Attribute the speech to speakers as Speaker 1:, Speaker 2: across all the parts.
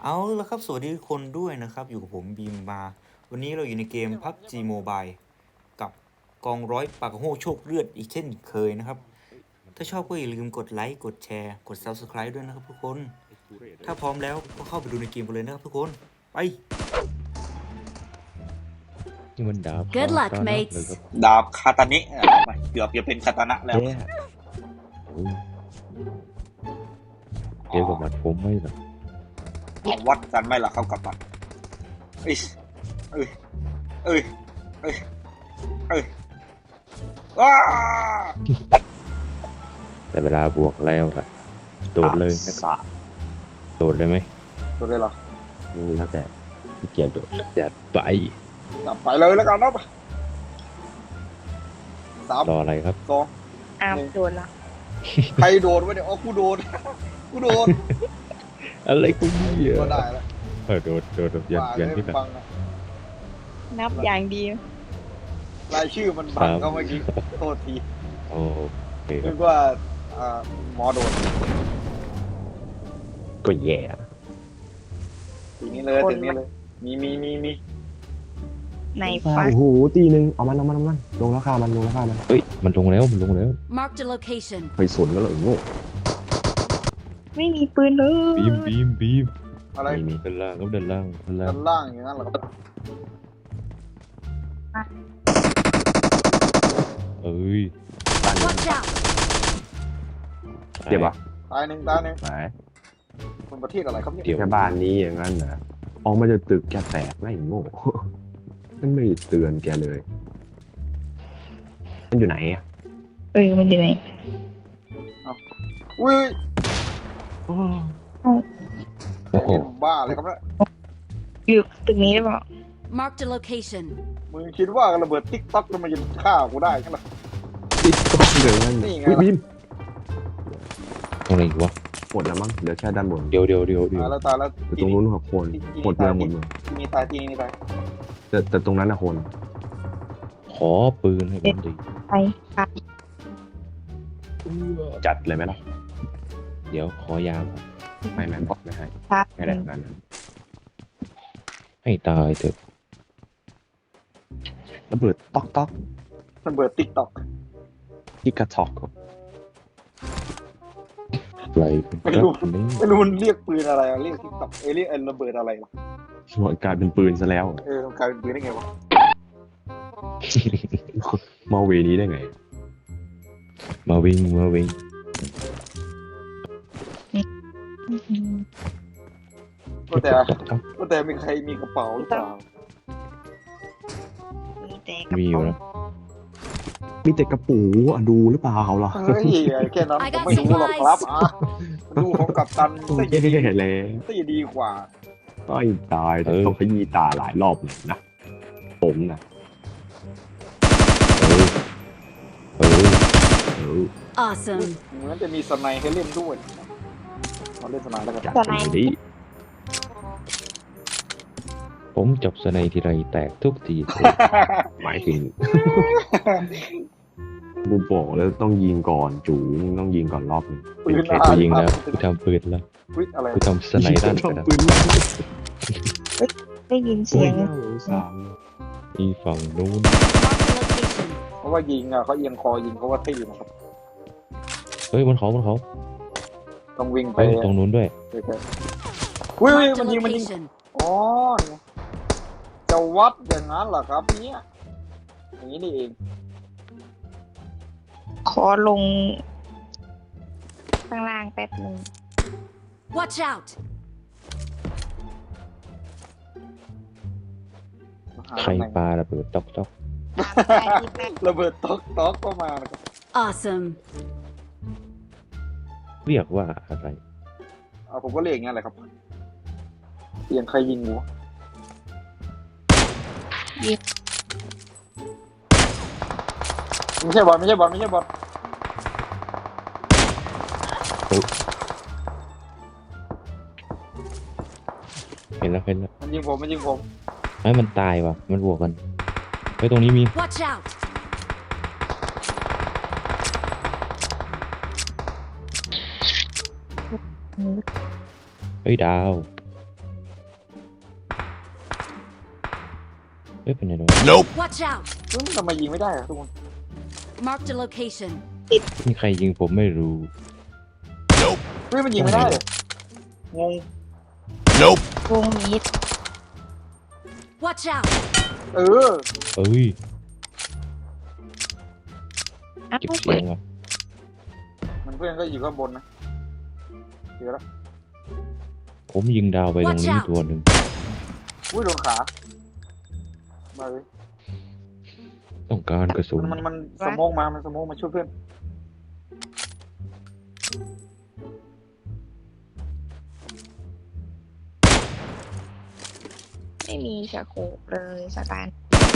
Speaker 1: เอาละครับสวัสดีทุกคนด้วยนะครับอยู่กับผมบีมมาวันนี้เราอยู่ในเกม PUBG Mobile กับกองร้อยปากโหโชคเลือดอีกเช่นเคยนะครับถ้าชอบก็อย่าลืมกดไลค์กดแชร์กด Subscribe ด้วยนะครับทุกคนถ้าพร้อมแล้วก็เข้าไปดูในเกมกันเลยนะครับทุกคนไป
Speaker 2: นี่มันดาบ
Speaker 3: Good luck,
Speaker 2: คาตานะ
Speaker 3: mates
Speaker 2: เลยครับ
Speaker 4: ดาบคาตานิเกือบจะเป็นคาตานะแล้ว
Speaker 2: แย่โอ้ยเดี๋ยวกับหมัดผมไม่หรอก
Speaker 4: เอาวัดกันไหมล่ะเขากับมันเอ้ยเอ้ยเอ้ยเอ้ยเอ้ยว้า
Speaker 2: แต่เวลาบวกแล้วล่ะโดดเลยนะครับโดดเลยไหม
Speaker 4: ตัวได้หรอ
Speaker 2: แล้วแต่ที่เกียจโดดจัดไป
Speaker 4: จับไปเลยแล้วกันนะสาม
Speaker 2: รออะไรครับ
Speaker 4: สอง
Speaker 5: อ้าวโดนละ
Speaker 4: ใครโดนวะเนี่ยอ๋อกูโดน กูโดน
Speaker 2: อะไรกูเนี่ย
Speaker 4: ก็ได้แล้ว
Speaker 2: โดดแบบยันที่แบบ
Speaker 4: บังนะ
Speaker 5: นับอย่างดี
Speaker 4: รายชื่อมันบังเขาเมื่อกี้โทษที
Speaker 2: โอเคค
Speaker 4: นึ
Speaker 2: รับ
Speaker 4: กว่าหมอโดน
Speaker 2: ก็แย่
Speaker 4: ทีนี้เลยทีนี้เลยมี
Speaker 5: ในฟ้า
Speaker 6: โอ้โหตีหนึ่งเอามันลงแล้วฆ่ามัน
Speaker 2: เฮ้ยมันลงแล้ว
Speaker 3: Marked a location.
Speaker 6: ไปสนก็เลยโง่
Speaker 5: ไม่มีปืนเลย
Speaker 2: บีม
Speaker 4: อะไร
Speaker 2: นี่ด้านล่างครับด้านล่าง
Speaker 4: ด้านล่างอย่างนั้นเหรอครับ
Speaker 2: เอ้ย
Speaker 3: Watch out!
Speaker 6: เจ็บปะ
Speaker 4: ตายหนึ่ง
Speaker 6: ไหน
Speaker 4: คนประเทศอะไรครับเนี่ย
Speaker 2: เดี๋ยว
Speaker 6: แค่บ้านนี้อย่างนั้นนะออกมาจะตึกแกแตกไม่โง่ มันไม่เตือนแกเลย มันอยู่ไหนอ่ะ
Speaker 5: มันอยู่ไหน
Speaker 4: อุ้ย
Speaker 2: โอ้โห
Speaker 4: บ้าเลยครับเนี่ย
Speaker 5: อยู่ตึกนี้หรือเปล่า
Speaker 3: Marked a location.
Speaker 4: มึงคิดว่าระเบิดติ๊กต็อกมันจะฆ่ากูได้ใช่ไหม
Speaker 6: ติดต้องเหลืองนั่น
Speaker 4: นี่ไง
Speaker 6: วิน
Speaker 2: ตรงไหนอีกวะ
Speaker 6: หมดแล้วมั้งเหลือแค่ด้านบน
Speaker 2: เดี๋ยว
Speaker 4: ตายแล้ว
Speaker 6: แต่ตรงนู้นหัวโคนหมดเมือง
Speaker 4: ที่นี่ตายที่นี่ตาย
Speaker 6: แต่ตรงนั้นนะคน
Speaker 2: ขอปืนให้ผมดิ
Speaker 5: ไปค่ะ
Speaker 6: จัดเลยไหมล่ะ
Speaker 2: เดี๋ยวขอยาว
Speaker 6: ไม่บอกไม่ให้
Speaker 5: ค่ะ
Speaker 6: ไม่ได้นั้น
Speaker 2: ให้ตายเถอะ
Speaker 6: ระเบิดต๊อก
Speaker 4: ระเบิดติ๊กต็อก
Speaker 6: ที่กระทอก
Speaker 2: ไรเป็นครับนี่
Speaker 4: ไม่รู้มันเรียกปืนอะไรเรียกติ๊กต็อกเรียกระเบิดอะไร
Speaker 6: ส่วนกลายเป็นปืนซะแล้ว
Speaker 4: มันกลายเป็นปืนได้ไงวะ
Speaker 6: มาเวนี้ได้ไง
Speaker 2: มาวิ่ง
Speaker 4: แต่มีใครมีกระเป๋าหรือเปล่า
Speaker 5: มีแต่กระ
Speaker 2: มีอยู่
Speaker 5: เป๋า
Speaker 2: นะ
Speaker 6: มีแต่กระปูอ่ะดูหรือเปล่าล่ะ
Speaker 4: เฮ้ยแค่นั้นผมไม่รู้หรอกครับดูของกัปตัน
Speaker 6: แย่แล้ว
Speaker 4: ตีดีกว่า
Speaker 6: ก็ตายแต่ต้องขยี้ตาหลายรอบเลยนะผมนะ
Speaker 2: เออ
Speaker 3: Awesome.
Speaker 4: เหมือนจะมีสไนให้เล่นด้วยเราเล่นสไนแล้วกัน
Speaker 6: จัดไปดิ
Speaker 2: ผมจับสไนทีไรแตกทุกที
Speaker 6: หมายถึงบูบอกแล้วต้องยิงก่อนจูต้องยิงก่อนรอบนึง
Speaker 4: ปืน
Speaker 2: กูยิงแล้วกูทำปืนแล้ว
Speaker 4: อะไร
Speaker 2: กูทำสไนด้านไปแล้ว
Speaker 6: ปืน
Speaker 5: ได้ยินเสียง
Speaker 2: อีฝั่งนู้น
Speaker 3: Marked a location.
Speaker 4: เพราะว่ายิงเขาเอียงคอยิงเขาว่าตีนะครับ
Speaker 2: เฮ้ยบนเขา
Speaker 4: ต้องวิ่งไป
Speaker 2: เฮ้ยตรงนู้นด้วย
Speaker 4: อุ้ย
Speaker 3: Marked
Speaker 4: มัน
Speaker 3: a
Speaker 4: ยิง
Speaker 3: location.
Speaker 4: อ๋อจะวัดอย่างนั้นเหรอครับเนี่ยอย่างนี้นี่เอง
Speaker 5: ขอลงข้างล่างแป๊บนึง
Speaker 3: Watch out!
Speaker 2: ใครปาระเบิดจ๊อก
Speaker 4: ระเบิดต๊อกก็มานะครับ
Speaker 3: Awesome.
Speaker 2: เรียกว่าอะไร
Speaker 4: ผมก็เรียกอย่างนี้แหละครับเสียงใครยิงกูไม่ใช่บอล
Speaker 2: เห็นแล้ว
Speaker 4: มันยิงผม
Speaker 2: ไอ้มันตายว่ะมันบวกกันเฮ้ยตรงนี้มี
Speaker 3: Watch out!
Speaker 2: เฮ้ยดาวเอ้ยเป็นไงโดน
Speaker 3: Watch out!
Speaker 4: เฮ้ยทำไมยิงไม่ได้อะทุกคน
Speaker 3: Marked a location.
Speaker 2: มีใครยิงผมไม่รู้
Speaker 4: เฮ้ยมันยิงไม่ได้เลยงง
Speaker 5: วงมีด
Speaker 3: Watch out!
Speaker 4: เออ
Speaker 2: เอ้ย
Speaker 5: อ้าว
Speaker 2: เก็บเสียงว่ะ
Speaker 4: มันเพื่อนก็อยู่ข้างบนนะเจอแล้ว
Speaker 2: ผมยิงดาวไปตรงนี้
Speaker 3: Watch out
Speaker 2: ตัวหนึ่ง
Speaker 4: อุ้ยโดนขามาเลย
Speaker 2: ต้องการกระสุน
Speaker 4: มันสโมกมา มันสโมกมาช่วยเพื่อน
Speaker 5: ไม่มีสโคปเลยสตาร์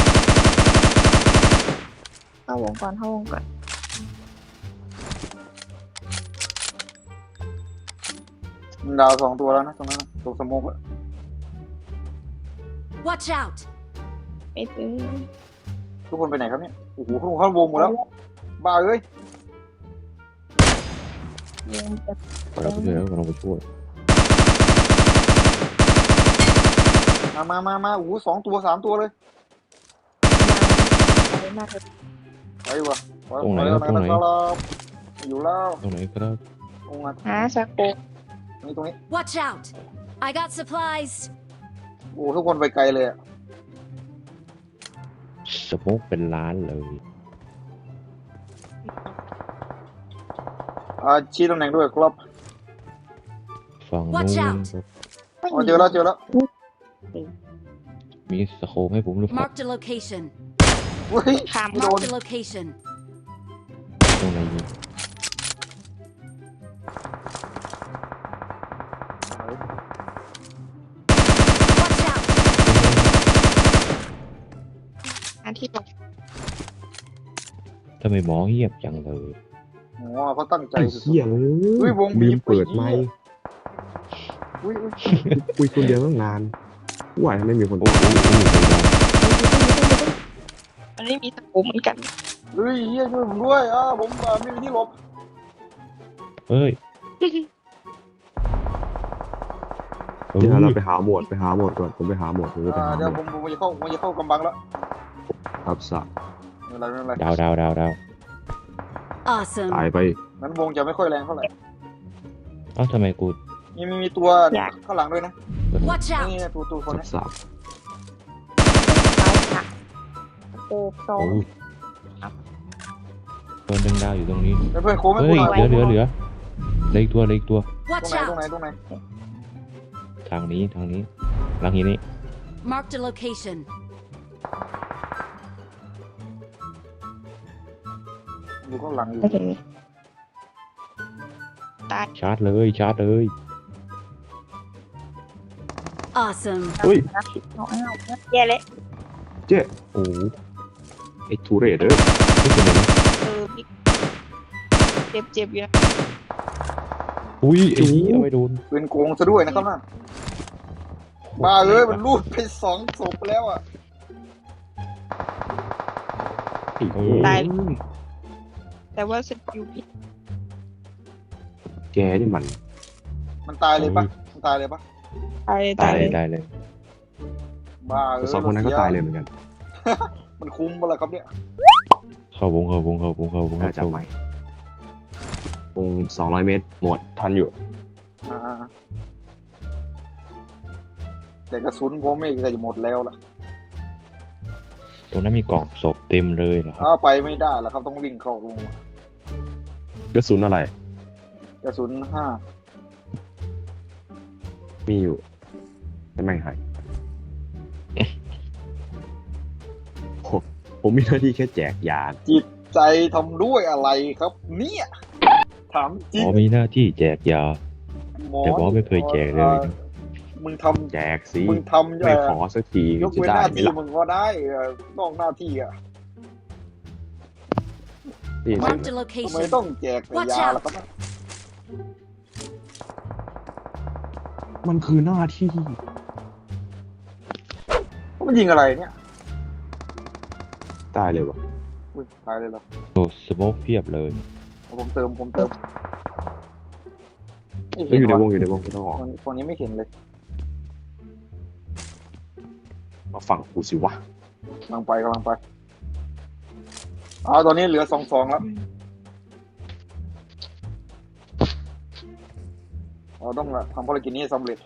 Speaker 5: เข้าวงก่อนเข้าวงก่อน
Speaker 4: มันดาว2 ตัวแล้วนะตรงนั้นนะตรงสโมกอะ
Speaker 3: Watch out!
Speaker 5: ไปซื้อ
Speaker 4: ทุกคนไปไหนครับเนี่ย โอ้โหเข้าวงหมดแล้ว บ้าเอ้ย
Speaker 5: วงจะ
Speaker 2: เราไปช่วยแล้วเราไปช่วย
Speaker 4: มาโอ้โห2 ตัว 3 ตัวเลย
Speaker 5: อะไรมากเลย
Speaker 4: ไปวะไป
Speaker 2: ตรงไหน
Speaker 4: ไป
Speaker 2: ครับตรงไหน
Speaker 4: ครับอยู่แล้ว
Speaker 2: ตรงไหนครับ
Speaker 4: ตรงนั้น
Speaker 5: หาสโคป
Speaker 4: ตรงนี้
Speaker 3: Watch out! I got supplies.
Speaker 4: โอ้ทุกคนไปไกลเลยอะ
Speaker 2: สโมกเป็นล้านเลย
Speaker 4: ชี้ตำแหน่งด้วยครับ
Speaker 2: ฝั่งนู้
Speaker 3: Watch
Speaker 2: น
Speaker 3: out
Speaker 2: ครับ
Speaker 4: อ๋อเจอแล้ว
Speaker 2: มีสโคปให้ผมหรือเปล่า
Speaker 3: Marked a location.
Speaker 4: เฮ้ย
Speaker 5: ข้าม
Speaker 4: ไม่โดน
Speaker 3: Marked a location.
Speaker 2: ตรงไหนยิง
Speaker 3: Watch out!
Speaker 5: อันที่บอก
Speaker 2: ทำไมหมอเงียบจังเลย
Speaker 4: อ๋อเขาตั้งใจ
Speaker 6: ไอ้
Speaker 4: สุด
Speaker 6: เหี้ย
Speaker 4: เฮ้ยวงบี
Speaker 6: บี
Speaker 4: บ
Speaker 6: มเปิด
Speaker 4: ไอ้เหี้ย
Speaker 6: ไมค์
Speaker 4: ๆอุ้ย
Speaker 6: คุยคนเดียวตั้งนานว่าทำไมมีคน
Speaker 2: โอ้โห
Speaker 5: มันไม่มีสโคปเหมือนกัน
Speaker 4: เฮ้ยเฮียช่วยผมด้วยผมไม่มีที่หลบ
Speaker 2: เฮ้ย
Speaker 6: เดี๋ยวเราไปหาโหมดก่อนผมไปหาโหมดผมจะไปหาโห
Speaker 4: เดี๋ยว
Speaker 6: ม
Speaker 4: ผ
Speaker 6: ด
Speaker 4: มจะเข้ากำบังแล้ว
Speaker 6: ครับสัก
Speaker 4: ไม่เป็นไร
Speaker 2: ดาว
Speaker 3: Awesome.
Speaker 6: ตายไป
Speaker 4: นั้นวงจะไม่ค่อยแรงเท่าไหร่
Speaker 2: เอ้าทำไมกู
Speaker 4: มีตัวข้างหลังด้วยนะ
Speaker 3: Watch
Speaker 4: นี่
Speaker 3: out!
Speaker 4: ตัวคน
Speaker 6: สั
Speaker 4: นี้
Speaker 6: ก
Speaker 5: ซ้ายค่ะสโคปสอง
Speaker 2: โอ้ตัวหนึ่งดาวอยู่ตรงนี้
Speaker 4: เพื่อนโค้งไม่
Speaker 2: เฮ้
Speaker 4: กู
Speaker 2: ย
Speaker 4: หน่อย
Speaker 2: เหลือเหลืออีกตัว
Speaker 4: ตรง
Speaker 3: Watch
Speaker 4: ไหน
Speaker 3: out!
Speaker 2: ทางนี้หลังนี้
Speaker 3: Marked a location.
Speaker 4: อยู่ข้างหลังอยู่
Speaker 5: โอเค
Speaker 2: ชาร์จเลย
Speaker 3: Awesome.
Speaker 6: เฮ้ย
Speaker 5: เอาแย่เลย
Speaker 6: เจ๊โอ้ไอ้ทูเรศเอ้ย
Speaker 2: นี่เป็นไงนะ
Speaker 5: พี่เจ็บอยู่นะ
Speaker 2: อุ้ยไอ้นี่เอาไปโดน
Speaker 4: เป็นโกงซะด้วยนะครับน่ะบ้ามันรูดไป2 ศพแล้วอ่ะ
Speaker 6: ไอ้โอ้
Speaker 5: ตายแต่ว่าสกิลผิด
Speaker 6: แกนี่มัน
Speaker 4: มันตายเลยปะมันตายเลยปะ
Speaker 5: ตายเลย
Speaker 2: ได้เลย
Speaker 4: บ้า
Speaker 6: แต่สองคนนั้นก็ตายเลยเหมือนกัน
Speaker 4: มันคุ้มปะล่ะครับเนี่ย
Speaker 2: เข้าวง
Speaker 6: น่าจะไม่วง200 เมตรหมดทันอยู่
Speaker 4: อ่าแต่กระสุนผมไม่จะหมดแล้วล่ะ
Speaker 2: ตรงนั้นมีกล่องศพเต็มเลยเหรอครับ
Speaker 4: ไปไม่ได้แล้วครับต้องวิ่งเข้าลง
Speaker 6: กระสุนอะไร
Speaker 4: กระสุน5
Speaker 6: มีอยู่แต่ไม่หายผมมีหน้าที่แค่แจกยา
Speaker 4: จิตใจทำด้วยอะไรครับ เนี่ยถามจริ
Speaker 2: ห
Speaker 4: ง
Speaker 2: มอมีหน้าที่แจกยา
Speaker 4: หมอ
Speaker 2: แต่หมอไม่เคยแจกเลยนะ
Speaker 4: มึงท
Speaker 6: แจกสิ
Speaker 4: ำมึงทำ
Speaker 6: ไม่ขอสักที
Speaker 4: ยก
Speaker 6: จะ
Speaker 4: เว้น
Speaker 6: ได้
Speaker 4: หน้า
Speaker 6: ไหม
Speaker 4: ที่
Speaker 6: ล่ะ
Speaker 4: มึงก็ได้นอกหน้าที่อ่ะ
Speaker 6: นี่สิ
Speaker 3: Marked a
Speaker 4: ทำไม
Speaker 3: location.
Speaker 4: ต้องแจกแต่
Speaker 3: Watch
Speaker 4: ยา
Speaker 3: out
Speaker 4: ล่ะครับเนี่ย
Speaker 6: มันคือหน้าที่
Speaker 4: มันยิงอะไรเนี่ย
Speaker 6: ตายเลยวะ
Speaker 4: อุ้ยตายเลยเหรอ
Speaker 2: โอ้สโมกเพียบเลย
Speaker 4: ผมเติมไม่
Speaker 6: ก็อยู่ในวง
Speaker 4: ว่ะ
Speaker 6: อยู่ในวงไม่ต้องออก
Speaker 4: คนนี้ไม่เห็นเลย
Speaker 6: มาฝั่งกูสิวะ
Speaker 4: กำลังไปตอนนี้เหลือ2-2แล้วเราต้องทำภารกิจนี้ให้สำเร็จ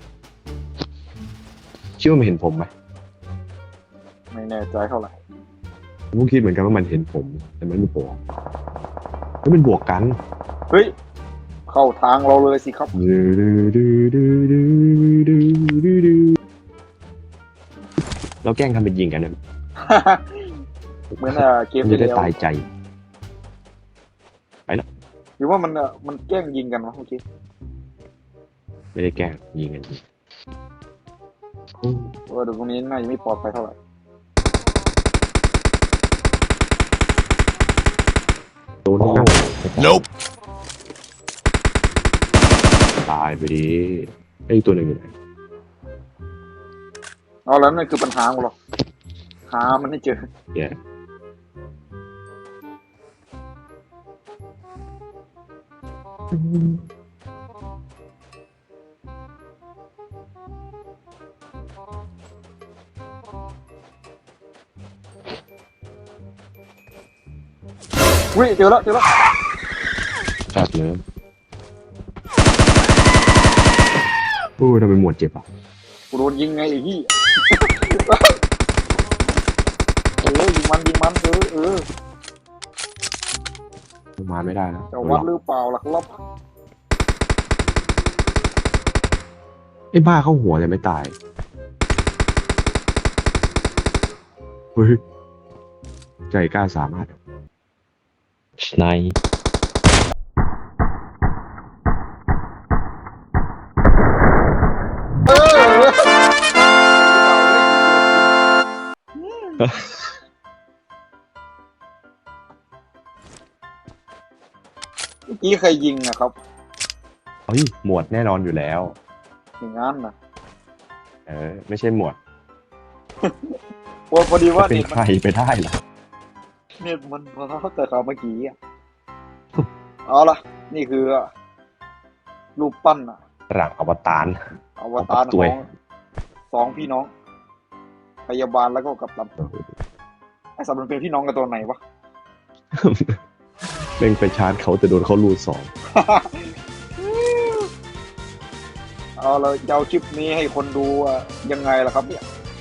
Speaker 6: คิดว่ามันเห็นผมไหม
Speaker 4: ไม่แน่ใจเท่าไหร่
Speaker 6: ผมก็คิดเหมือนกันว่ามันเห็นผม แต่มันไม่บอกแล้วมันบวกกัน
Speaker 4: เฮ้ยเข้าทางเราเลยสิครับ
Speaker 6: เราแกล้งทำเป็นยิงกันนะ
Speaker 4: เหมือนเกม
Speaker 6: มัน
Speaker 4: ที่
Speaker 6: จะได้
Speaker 4: แล้ว
Speaker 6: ตายใจ
Speaker 4: หรือว่ามันแกล้งยิงกันวะเมื่อกี้
Speaker 6: ไม่ได้แกล้งยิงกันโอ้
Speaker 4: เดี๋ยวตรงนี้น่าจะไม่ปลอดภัยเท่าไหร่
Speaker 6: โดนหน้า
Speaker 2: Nope
Speaker 6: ตายไปดิไอ้ตัวหนึ่งอยู่ไหน
Speaker 4: เอาแล้วนั่นคือปัญหาของเราหามันให้เจอ
Speaker 6: เนี่ย
Speaker 4: วิ่เจอแล้ว
Speaker 6: จัดเลยโอ้ทำไมหมวดเจ็บอ่ะ
Speaker 4: กูโดนยิงไงไอ้ที่ ยิงมัน
Speaker 6: มาไม่ได้แล้ว
Speaker 4: จะวัดหรือเปล่าล่ะครับ
Speaker 6: ไอ้บ้าเข้าหัวแต่ไม่ตายเฮ้ยใจกล้าสามารถ
Speaker 2: สไนป์
Speaker 4: เมื่อกี้ใครยิงอะครับ
Speaker 6: เฮ้ยหมวดแน่นอนอยู่แล้ว
Speaker 4: อย่างนั้นนะ
Speaker 6: ไม่ใช่หมวด
Speaker 4: พอดีว่า
Speaker 6: เป็นใครไปได้ล่ะ
Speaker 4: เน็ตมันพอแต่เขาเมื่อกี้อะเอาล่ะ นี่คือรูปปั้นอะ
Speaker 6: หลังอวตาร
Speaker 4: อวตาร
Speaker 6: ตั
Speaker 4: ข
Speaker 6: ว
Speaker 4: อง2พี่น้อง พยาบาลแล้วก็กัปตันไอ้สัตว์มันเป็นพี่น้องกันตัวไหนวะ
Speaker 6: เล่นไปชาร์จเขาแต่โดนเขาลูดสอง
Speaker 4: เอาเราจะเอาคลิปนี้ให้คนดูยังไงล่ะครับเนี่ย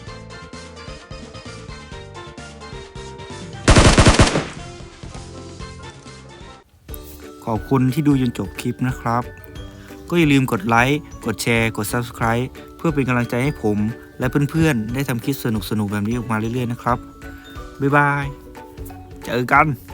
Speaker 1: ขอบคุณที่ดูจนจบคลิปนะครับ ก็อย่าลืมกดไลค์ กดแชร์ กด Subscribe เพื่อเป็นกำลังใจให้ผม และเพื่อนๆ ได้ทำคลิปสนุกๆ แบบนี้ออกมาเรื่อยๆ นะครับ บ๊ายบาย เจอกัน